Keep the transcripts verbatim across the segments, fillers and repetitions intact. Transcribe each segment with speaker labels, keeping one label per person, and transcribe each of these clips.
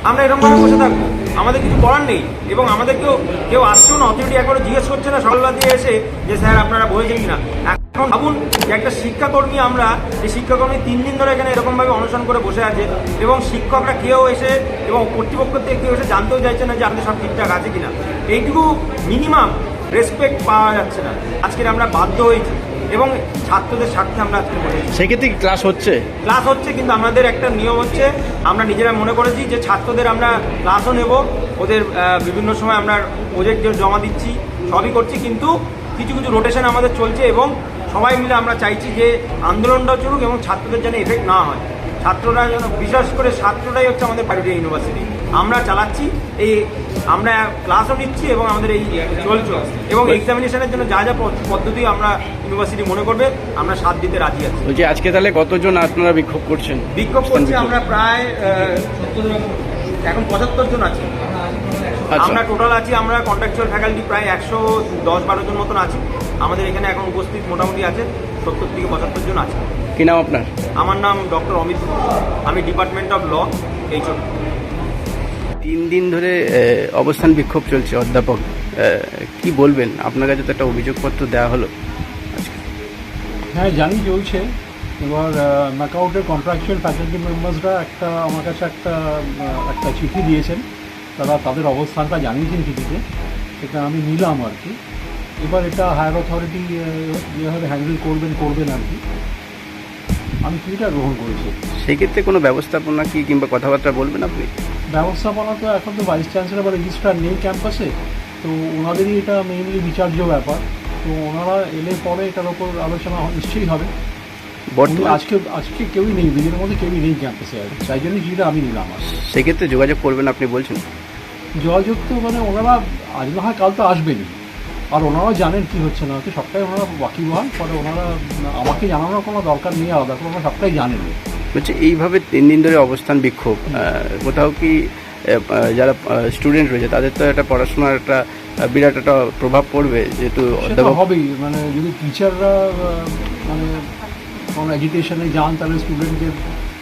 Speaker 1: আমরা এরকমভাবে বসে থাকবো? আমাদের কিছু করার নেই। এবং আমাদেরকেও কেউ আসছেও না, অথরিটি একবারও জিজ্ঞেস করছে না সকালবেলা দিয়ে এসে যে স্যার আপনারা বলেছেন কিনা। এখন ভাবুন যে একটা শিক্ষাকর্মী, আমরা এই শিক্ষাকর্মী তিন দিন ধরে এখানে এরকমভাবে অনশন করে বসে আছে এবং শিক্ষকরা কেউ এসে এবং কর্তৃপক্ষ থেকে কেউ এসে জানতেও চাইছে না যে আমাদের সব ঠিকঠাক আছে কিনা। এইটুকু মিনিমাম রেসপেক্ট পাওয়া যাচ্ছে না। আজকের আমরা বাধ্য হয়েছি এবং ছাত্রদের স্বার্থে আমরা আজকে বলেছি।
Speaker 2: সেক্ষেত্রে কি ক্লাস হচ্ছে?
Speaker 1: ক্লাস হচ্ছে, কিন্তু আমাদের একটা নিয়ম হচ্ছে, আমরা নিজেরা মনে করেছি যে ছাত্রদের আমরা ক্লাসও নেব, ওদের বিভিন্ন সময় আমরা প্রজেক্ট জমা দিচ্ছি, সবই করছি, কিন্তু কিছু কিছু রোটেশন আমাদের চলছে এবং সবাই মিলে আমরা চাইছি যে আন্দোলনটাও চলুক এবং ছাত্রদের যেন এফেক্ট না হয়। ছাত্ররা যেন, বিশেষ করে ছাত্ররাই হচ্ছে আমাদের প্রাইভেট ইউনিভার্সিটি, আমরা চালাচ্ছি, এই আমরা ক্লাসও নিচ্ছি এবং আমাদের এই চলছে এবং এক্সামিনেশনের জন্য যা যা পদ্ধতি আমরা ইউনিভার্সিটি মনে করবে আমরা সাথ দিতে রাজি আছি।
Speaker 2: বলছি আজকে তাহলে কতজন আপনারা বিক্ষোভ করছেন?
Speaker 1: বিক্ষোভ করছি আমরা প্রায় এখন পঁচাত্তর জন আছি। আমরা টোটাল আছি, আমরা কন্ট্রাকচুয়াল ফ্যাকাল্টি প্রায় একশো দশ বারো জন মতন আছি। আমাদের এখানে এখন উপস্থিত মোটামুটি আছে সত্তর থেকে পঁচাত্তর জন আছে।
Speaker 2: কি নাম আপনার?
Speaker 1: আমার নাম ডক্টর অমিত, আমি ডিপার্টমেন্ট অফ ল এইচও।
Speaker 2: তিন দিন ধরে অবস্থান বিক্ষোভ চলছে অধ্যাপক, কি বলবেন? আপনার কাছে তো একটা অভিযোগপত্র দেওয়া হলো।
Speaker 3: হ্যাঁ জানি চলছে। এবার ম্যাকআউটের কন্ট্রাকচুয়াল ফ্যাকাল্টি মেম্বার্সরা একটা আমার কাছে একটা একটা চিঠি দিয়েছেন, তারা তাদের অবস্থানটা জানিয়েছেন চিঠিতে, সেটা আমি নিলাম আর কি। এবার এটা হায়ার অথরিটি যেভাবে হ্যান্ডেল করবেন করবেন আর কি, আমি চিঠিটা গ্রহণ করেছি।
Speaker 2: সেক্ষেত্রে কোনো ব্যবস্থাপনা কি কিংবা কথাবার্তা বলবেন আপনি?
Speaker 3: ব্যবস্থাপনা তো এখন তো ভাইস চ্যান্সেলর বা রেজিস্ট্রার নেই ক্যাম্পাসে, তো ওনাদেরই এটা মেইনলি বিচার্য ব্যাপার। তো ওনারা এলে পরে এটার ওপর আলোচনা নিশ্চয়ই হবে। আজকে আজকে কেউই নেই, দিনের মধ্যে কেউই নেই ক্যাম্পাসে, আর তাই জন্য যেটা আমি নিলাম। আর
Speaker 2: সেক্ষেত্রে যোগাযোগ করবেন আপনি বলছেন?
Speaker 3: যোগাযোগ তো মানে ওনারা আজ না হয় কাল তো আসবেনই, আর ওনারাও জানেন কী হচ্ছে না হচ্ছে, সবটাই ওনারা ওয়াকিবহাল। পরে ওনারা আমাকে জানানোর কোনো দরকার নেই আলাদা করে, ওনারা সবটাই জানেন।
Speaker 2: বলছে এইভাবে তিন দিন ধরে অবস্থান বিক্ষোভ, কোথাও কি যারা স্টুডেন্ট রয়েছে তাদের তো একটা পড়াশোনার একটা বিরাট একটা প্রভাব পড়বে, যেহেতু
Speaker 3: হবেই। মানে যদি টিচাররা মানে কোনো এডুকেশনে যান তাহলে স্টুডেন্টদের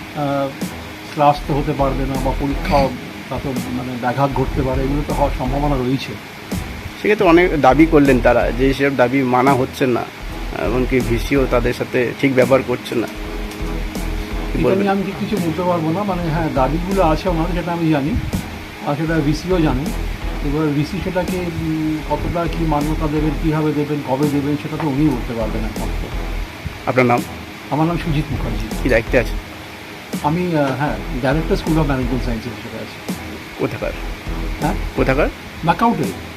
Speaker 3: ক্লাস তো হতে পারবে না, বা পরীক্ষা তাতে মানে ব্যাঘাত ঘটতে পারে, এগুলো তো হওয়ার সম্ভাবনা রয়েছে।
Speaker 2: সেক্ষেত্রে অনেক দাবি করলেন তারা, যে সেসব দাবি মানা হচ্ছে না, এমনকি ভিসিও তাদের সাথে ঠিক ব্যবহার করছে না।
Speaker 3: এটা নিয়ে আমি ঠিক কিছু বলতে পারবো না। মানে হ্যাঁ, দাবিগুলো আছে ওনাদের, সেটা আমি জানি, আর সেটা ভিসিও জানেন। এবার ভিসি সেটাকে কতটা কি মান্যতা দেবেন, কীভাবে দেবেন, কবে দেবেন, সেটা তো উনিই বলতে পারবেন এখন।
Speaker 2: আপনার নাম?
Speaker 3: আমার নাম সুজিত মুখার্জি।
Speaker 2: কি দায়িত্বে আছে?
Speaker 3: আমি হ্যাঁ director school of management sciences হিসেবে আছি।
Speaker 2: কোথাকার?
Speaker 3: হ্যাঁ,
Speaker 2: কোথাকার?
Speaker 3: ম্যাকআউটে।